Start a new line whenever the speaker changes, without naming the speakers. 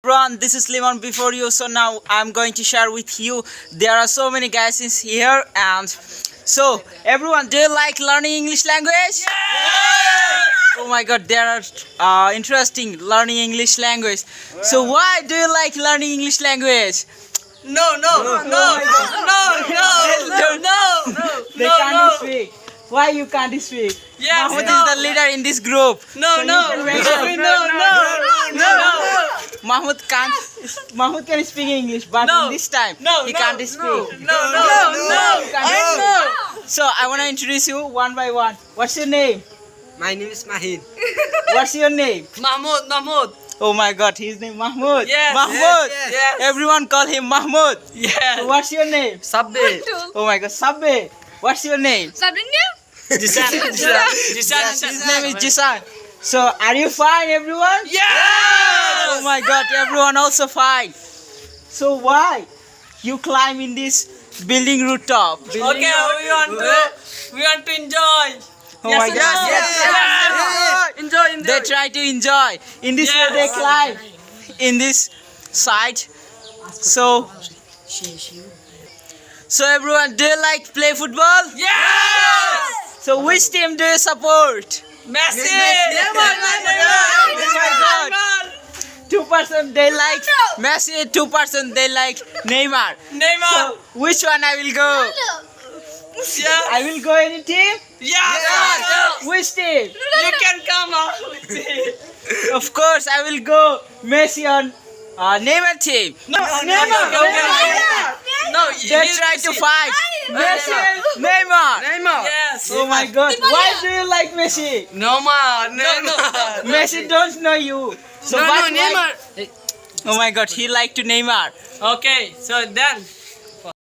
Everyone, this is Liman before you. So now I'm going to share with you. There are so many guys in here, and so everyone, do you like learning English language? Oh my God, there are interesting learning English language. So why do you like learning English language?
No.
They can't speak. Why you can't speak?
Yes,
Mahmoud
no.
is the leader in this group.
No.
Mahmoud can't. Mahmoud can speak English, but
No.
in this time he can't speak.
No.
So I want to introduce you one by one. What's your name?
My name is Mahin.
What's your name?
Mahmoud.
Oh my God, his name Mahmoud.
Yes,
Mahmoud.
yes.
Everyone call him Mahmoud.
Yes.
So what's your name?
Sabbe.
Oh my God, Sabbe. What's your name?
Jisan.
His name is Jisan. So are you fine, everyone?
Yes.
Oh my God, everyone also fine. So why you climb in this building rooftop?
Okay, we want to enjoy.
Oh my God.
Yes. Enjoy.
They try to enjoy. In this way they
Yes.
climb. In this side. So everyone, do you like play football?
Yes.
So which team do you support?
Messi.
Oh my God. 2% they like Messi, 2% they like Neymar.
Neymar.
So which one I will go?
Yeah.
I will go any team?
Yes.
Which team?
You can come out with it.
Of course, I will go Messi on Neymar team.
No.
They try to fight. Messi and Neymar.
Yes.
Oh my God. Why do you like Messi?
No.
Messi don't know you. So but why- Oh my God, he like to Neymar.
Okay, so then